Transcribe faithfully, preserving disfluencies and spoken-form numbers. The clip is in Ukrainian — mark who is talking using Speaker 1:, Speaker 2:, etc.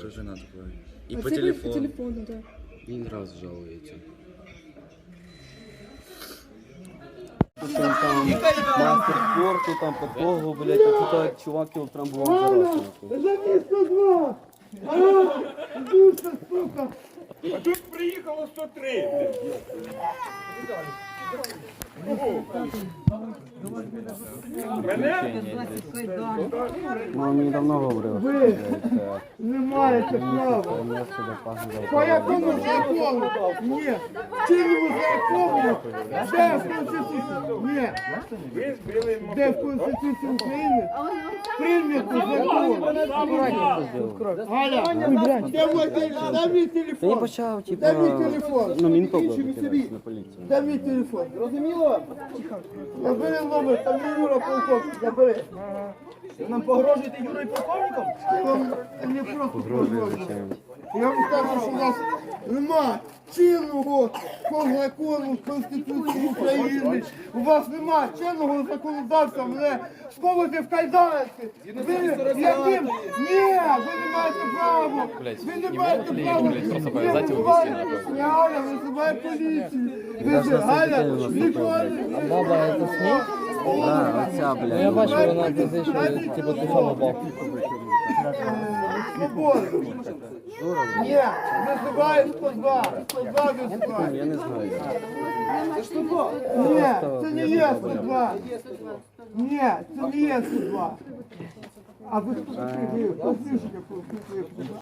Speaker 1: тоже надо говорить. И
Speaker 2: А
Speaker 1: по
Speaker 2: це ви
Speaker 1: телефону.
Speaker 2: По телефону, да.
Speaker 1: Один раз жалуете.
Speaker 3: Там, там мастер спорту, там подкову, блядь, а тут так чувак його прям був зараз.
Speaker 4: Завісно два! А, душа, сука!
Speaker 5: А тут приїхало сто три. Мене?
Speaker 3: Ну, мені давно говорив.
Speaker 4: Ви не маєте права! По якому закону? Ні! Чинному закону? Де в Конституції? Ні!
Speaker 5: Ви збили
Speaker 4: Де в Конституції України? Прийнято закон! Галя, де мій телефон? Дай мій
Speaker 3: Та я
Speaker 4: телефон!
Speaker 3: почав, типу,
Speaker 4: Дай мій телефон!
Speaker 3: ну, мінток викидати на поліцію.
Speaker 4: Дай мій телефон! Розуміло? Набери номер, там є Юра полковник, набери.
Speaker 5: Нам погрожуєте Юрою полковником?
Speaker 4: Я вам не просто погрожую. Я вам кажу, що у нас нема чинного по закону Конституції України. У вас нема чинного законодавства, мене сковати в кайданки. Ви яким? Ні, ви не маєте права. Ви не маєте права. Ви визиваєте, Галя, визиває поліцію. Ви Галя, ніколи.
Speaker 3: Баба, це сніг? Так, оця, блядь.
Speaker 4: Я бачу, вона казала, що типу ти сам упав. Свободу. Ні, визиває сто два. сто два визиває.
Speaker 3: Я не знаю.
Speaker 4: Ні, це не є сто два. Ні, це не є сто два. А ви хто такий? Ви? Послухайте, послухайте.